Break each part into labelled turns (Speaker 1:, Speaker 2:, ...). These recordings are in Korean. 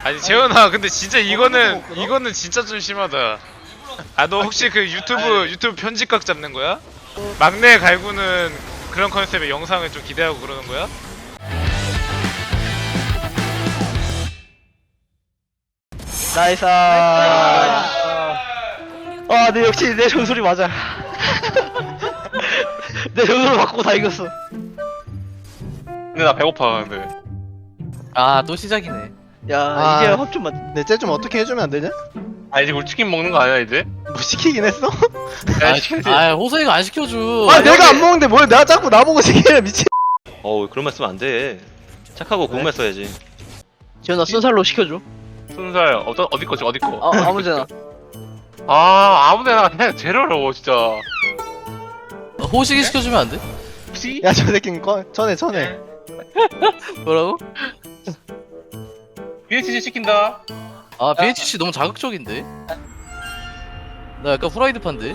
Speaker 1: 아니 재현아, 근데 진짜 이거는 진짜 좀 심하다. 아, 너 혹시 그 유튜브 편집각 잡는 거야? 막내 갈구는 그런 컨셉의 영상을 좀 기대하고 그러는 거야?
Speaker 2: 나이스. 네, 역시 내 전술이 맞아. 내 전술을 바꾸고 다 이겼어.
Speaker 3: 근데 나 배고파 근데.
Speaker 4: 또 시작이네.
Speaker 2: 야, 이제 합좀 맞.
Speaker 5: 내 쟤 좀 어떻게 해주면 안 되냐?
Speaker 3: 아 이제 우리 치킨 먹는 거 아니야 이제?
Speaker 5: 뭐 시키긴 했어?
Speaker 3: 야 시키지.
Speaker 4: 호성이가 안 시켜줘.
Speaker 5: 내가 안 먹는데 뭘 내가 자꾸 나보고 시키냐 미친.
Speaker 6: 그런 말 쓰면 안 돼. 착하고 고운 말 써야지.
Speaker 2: 지현아 순살로 시켜줘.
Speaker 3: 순살 어디 거지 어디 거?
Speaker 2: 아무데나.
Speaker 3: 아무데나 그냥 제일 어려워 진짜.
Speaker 4: 호식이 시켜주면 안 돼?
Speaker 3: 혹시?
Speaker 5: 야 저 새끼는 전에.
Speaker 4: 뭐라고?
Speaker 3: BHG 시킨다.
Speaker 4: BHC 너무 자극적인데? 나 약간 후라이드판데?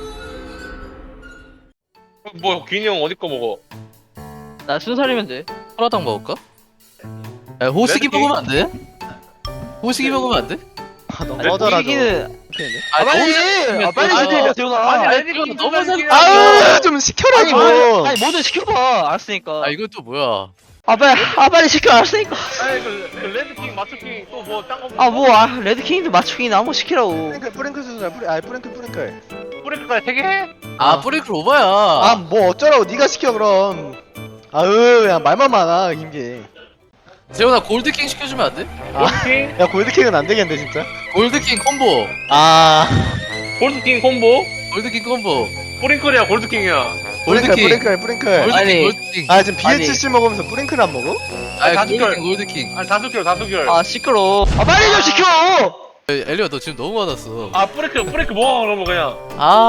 Speaker 3: 뭐 기인이 형 어디 거 먹어?
Speaker 2: 나 순살이면 돼.
Speaker 4: 후라당 먹을까? 야, 호식이
Speaker 3: 레드킹?
Speaker 4: 먹으면 안 돼? 호식이 먹으면 안 돼?
Speaker 5: 너무
Speaker 3: 아니,
Speaker 5: 꺼져라 너.
Speaker 2: 이기는.
Speaker 5: 빨리! 빨리 시켜
Speaker 2: 지현아.
Speaker 3: 아니
Speaker 4: 이거
Speaker 3: 레드킹
Speaker 4: 너무 잘-
Speaker 5: 좀 시켜라 좀.
Speaker 2: 아니 뭐든 시켜봐. 알았으니까.
Speaker 4: 이거 또 뭐야?
Speaker 2: 빨리 시켜. 알았으니까.
Speaker 3: 아니 그 레드킹 마초킹 또 뭐 딴 거.
Speaker 2: 레드킹도 맞추기나 한번 시키라고.
Speaker 5: 뿌링클 순살 뿌링클.
Speaker 3: 뿌리크까지 3개 해?
Speaker 4: 뿌리클 오바야.
Speaker 5: 뭐 어쩌라고 네가 시켜 그럼. 그냥 말만 많아 김기.
Speaker 4: 재훈아 골드킹 시켜주면 안 돼?
Speaker 3: 골드킹?
Speaker 5: 야 골드킥은 안 되겠는데 진짜.
Speaker 4: 골드킹 콤보.
Speaker 3: 골드킹 콤보?
Speaker 4: 골드킹 콤보.
Speaker 3: 뿌링클이야 골드킹이야.
Speaker 4: 골드킹.
Speaker 5: 뿌링클.
Speaker 2: 아니.
Speaker 4: 골드킹.
Speaker 5: 지금 BHC 먹으면서 뿌링클 안 먹어?
Speaker 4: 골드킹.
Speaker 3: 아니 다수결.
Speaker 2: 시끄러. 빨리 좀 시켜.
Speaker 4: 엘리야 너 지금 너무 많았어.
Speaker 3: 뿌리크 먹어 그러면 그냥.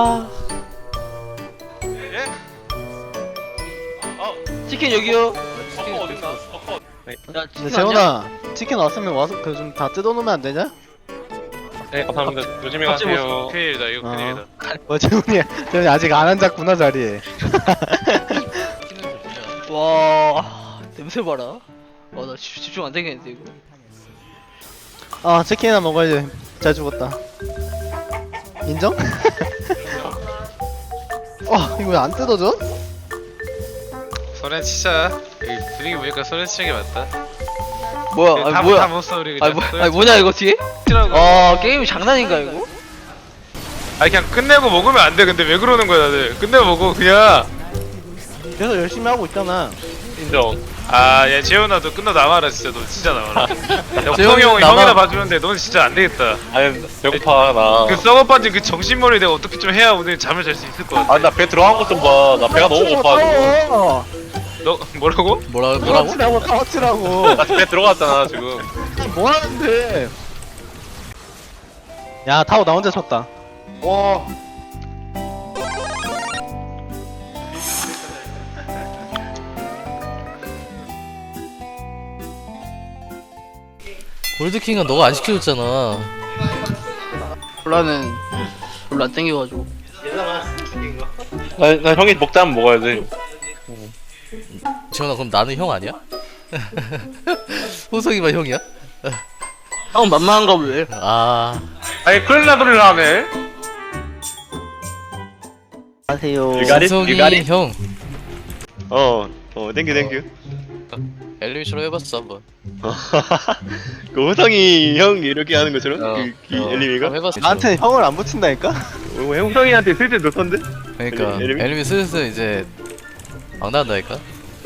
Speaker 2: 치킨 여기요.
Speaker 3: 버커 어딨나? 버커.
Speaker 5: 근데 재훈아 치킨 왔으면 와서 그 좀 다 뜯어놓으면 안 되냐?
Speaker 3: 네 감사합니다. 조심히
Speaker 2: 갑자기
Speaker 3: 가세요.
Speaker 1: 큰일이다, 이거 큰일이다.
Speaker 5: 재훈이 아직 안 앉았구나 자리에.
Speaker 2: 와 냄새 봐라. 나 집중 안 되겠는데 이거.
Speaker 5: 치킨이나 먹어야지. 잘 죽었다. 인정? 이거 왜 안 뜯어져?
Speaker 1: 소렌 치자. 여기 분위기 보니까 소렌 치는 게 맞다.
Speaker 2: 뭐야?
Speaker 1: 다
Speaker 2: 뭐야?
Speaker 1: 못써 우리 그냥.
Speaker 2: 뭐냐 이거 뒤에?
Speaker 1: 치라고.
Speaker 2: 게임 장난인가 이거?
Speaker 1: 그냥 끝내고 먹으면 안 돼. 근데 왜 그러는 거야 다들? 끝내고 먹어 그냥.
Speaker 5: 계속 열심히 하고 있잖아.
Speaker 3: 인정.
Speaker 1: 야 재현아, 너 끝나고 나와라 진짜. 너 진짜 나와라.
Speaker 4: 재현이
Speaker 1: 형
Speaker 4: 나와.
Speaker 1: 형이나 봐주는데 넌 진짜 안 되겠다.
Speaker 3: 아니 배고파 나.
Speaker 1: 그 썩어 빠진 그 정신머리 내가 어떻게 좀 해야 오늘 잠을 잘 수 있을 것 같아.
Speaker 3: 아니 나 배 들어간 것 좀 봐. 나 배가 너무 고파 지금.
Speaker 1: 너 뭐라고?
Speaker 4: 뭐라고?
Speaker 5: 카워치라고.
Speaker 3: 나 배 들어갔잖아 지금.
Speaker 5: 뭐 하는데? 야 타오 나 혼자 쳤다.
Speaker 3: 와.
Speaker 4: 골드킹은 너가 안 시켜줬잖아.
Speaker 2: 몰라는 별로 안 땡겨가지고.
Speaker 3: 나 형이 먹자면 먹어야 돼.
Speaker 4: 재훈아 그럼 나는 형 아니야? 호성이만 형이야?
Speaker 2: 형 만만한가 왜?
Speaker 3: 아니 큰일 나 소리를 하네.
Speaker 2: 안녕하세요.
Speaker 4: 호성이 형.
Speaker 6: 땡큐.
Speaker 4: 엘리미처럼 해봤어 한번.
Speaker 6: 그 호성이 형 이렇게 하는 것처럼? 엘리미가?
Speaker 4: 한번 해봤어.
Speaker 5: 나한테 형을 안 붙인다니까?
Speaker 6: 형성이한테 슬슬 놓던데?
Speaker 4: 그러니까
Speaker 6: 엘리미?
Speaker 4: 엘리미 슬슬 이제 막 나간다니까.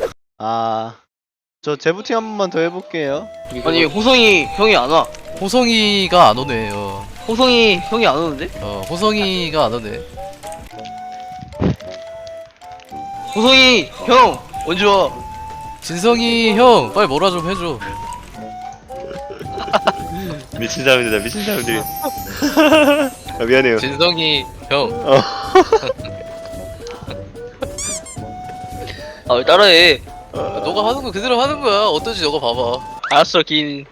Speaker 5: 저 재부팅 한 번만 더 해볼게요.
Speaker 2: 아니 호성이 형이 안 와.
Speaker 4: 호성이가 안 오네.
Speaker 2: 호성이 형이 안 오는데?
Speaker 4: 호성이가 안 오네.
Speaker 2: 호성이 형 언제 와?
Speaker 4: 진성이 형 빨리 뭐라 좀 해줘.
Speaker 6: 미친 사람들이. 미안해요.
Speaker 4: 진성이 형.
Speaker 2: 왜 따라해?
Speaker 4: 너가 하는 거 그대로 하는 거야. 어떤지 너가 봐봐.
Speaker 2: 알았어 긴.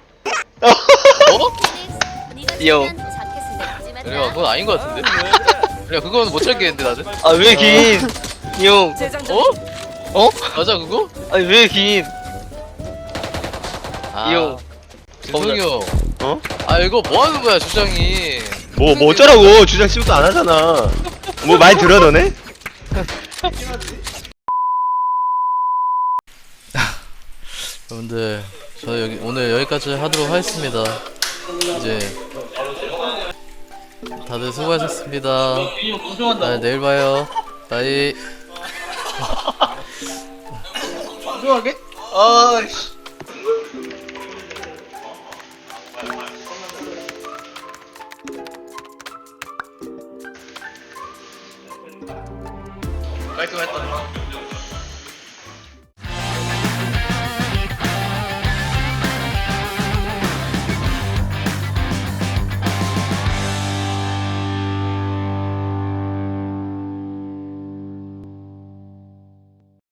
Speaker 7: 요.
Speaker 4: 그래, 그건 아닌 거 같은데. 그래, 그건 못 찾겠는데 나는.
Speaker 2: 왜 긴? 형.
Speaker 4: 맞아 그거?
Speaker 2: 왜 긴? 형.
Speaker 4: 진성이 형.
Speaker 6: 어?
Speaker 4: 아 이거 뭐 하는 거야 주장이.
Speaker 6: 뭐 어쩌라고 주장 시부터 안 하잖아. 뭐 많이 들어 너네?
Speaker 4: 여러분들 저 여기 오늘 여기까지 하도록 하겠습니다. 이제 다들 수고하셨습니다. 내일 봐요. 바이.
Speaker 2: 아씨